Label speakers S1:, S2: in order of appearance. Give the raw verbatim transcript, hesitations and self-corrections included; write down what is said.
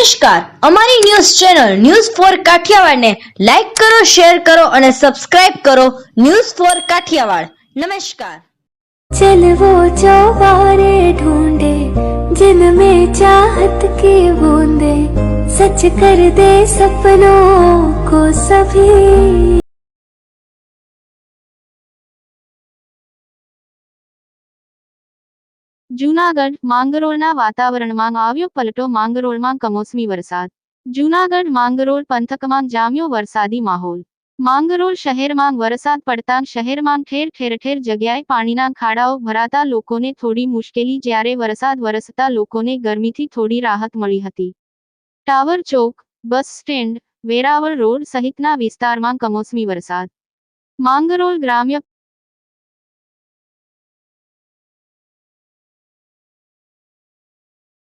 S1: નમસ્કાર, અમારી news channel news for Kathiawad ને લાઈક કરો, શેર કરો અને સબસ્ક્રાઇબ કરો. News for Kathiawad. નમસ્કાર.
S2: चल वो चौबारे ढूंढे जिनमें चाहत की बूंदे सच कर दे सपनों को सभी।
S3: જૂનાગઢ માંગરોળના વાતાવરણમાં આવ્યો પલટો. માંગરોળમાં કમોસમી વરસાદ. જૂનાગઢ માંગરોળ પંથકમાં જામ્યો વરસાદી માહોલ. માંગરોળ શહેરમાં વરસાદ પડતાં શહેરમાં ઠેર ઠેર ઠેર જગ્યાએ પાણીના ખાડાઓ ભરાતા લોકોને થોડી મુશ્કેલી, જ્યારે વરસાદ વરસતા લોકોને ગરમીથી થોડી રાહત મળી હતી. Tower Chowk, bus stand, Veraval road સહિતના વિસ્તારમાં કમોસમી વરસાદ. માંગરોળ ગ્રામ્ય